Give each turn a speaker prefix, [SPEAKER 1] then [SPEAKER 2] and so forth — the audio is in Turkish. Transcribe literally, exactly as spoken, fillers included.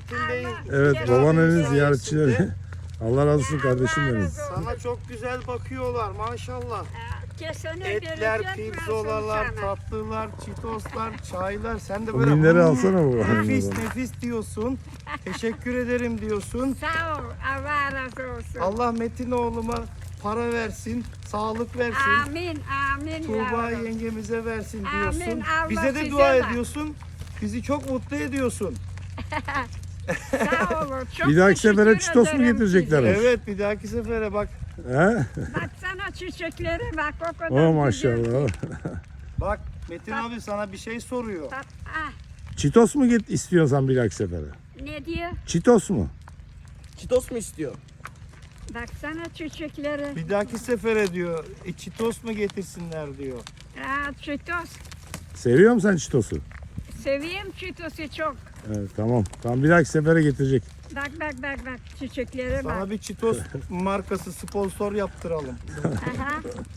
[SPEAKER 1] Metin Bey.
[SPEAKER 2] Evet,
[SPEAKER 1] Metin
[SPEAKER 2] babaannenin
[SPEAKER 1] abinin
[SPEAKER 2] ziyaretçileri.
[SPEAKER 1] sayesinde
[SPEAKER 2] Allah razı olsun kardeşim benim.
[SPEAKER 1] Sana çok güzel bakıyorlar maşallah.
[SPEAKER 3] Kesene
[SPEAKER 1] Etler,
[SPEAKER 3] bereket versin
[SPEAKER 1] pirzolalar,
[SPEAKER 3] sana.
[SPEAKER 1] tatlılar, çitoslar, çaylar. Sen de
[SPEAKER 2] O
[SPEAKER 1] böyle
[SPEAKER 2] minleri
[SPEAKER 1] "Hmm,
[SPEAKER 2] alsana babaannenin
[SPEAKER 1] nefis
[SPEAKER 2] oradan."
[SPEAKER 1] nefis diyorsun. Teşekkür ederim diyorsun.
[SPEAKER 3] Sağ ol. Allah razı olsun.
[SPEAKER 1] Allah Metin oğluma para versin, sağlık versin.
[SPEAKER 3] Amin. Amin
[SPEAKER 1] Tuğba
[SPEAKER 3] yavrum.
[SPEAKER 1] yengemize versin
[SPEAKER 3] Amin,
[SPEAKER 1] diyorsun.
[SPEAKER 3] Allah
[SPEAKER 1] Bize de
[SPEAKER 3] size
[SPEAKER 1] dua
[SPEAKER 3] ver.
[SPEAKER 1] ediyorsun. Bizi çok mutlu ediyorsun.
[SPEAKER 3] Sağ olun. Çok
[SPEAKER 2] Bir dahaki sefere
[SPEAKER 3] teşekkür
[SPEAKER 2] çitos mu
[SPEAKER 3] ederim
[SPEAKER 2] getirecekler?
[SPEAKER 3] size.
[SPEAKER 1] Evet, bir dahaki sefere bak.
[SPEAKER 2] He?
[SPEAKER 3] Baksana çiçeklere bak o kadar
[SPEAKER 2] Oh
[SPEAKER 3] güzel.
[SPEAKER 2] maşallah.
[SPEAKER 1] Bak Metin abi sana bir şey soruyor.
[SPEAKER 3] Bak, ah,
[SPEAKER 2] Çitos mu git istiyorsan bir dahaki sefere?
[SPEAKER 3] ne diyor?
[SPEAKER 2] Çitos mu?
[SPEAKER 4] Çitos mu istiyor?
[SPEAKER 3] Baksana çiçeklere.
[SPEAKER 1] Bir dahaki sefere diyor, e, çitos mu getirsinler diyor.
[SPEAKER 3] Aa, çitos.
[SPEAKER 2] Seviyor musun sen çitosu?
[SPEAKER 3] Seveyim çitosu çok.
[SPEAKER 2] Evet, tamam. Tamam, bir dahaki sefere getirecek.
[SPEAKER 3] Bak bak bak bak çiçeklere bak.
[SPEAKER 1] Sana bir çitos markası sponsor yaptıralım.
[SPEAKER 3] Aha.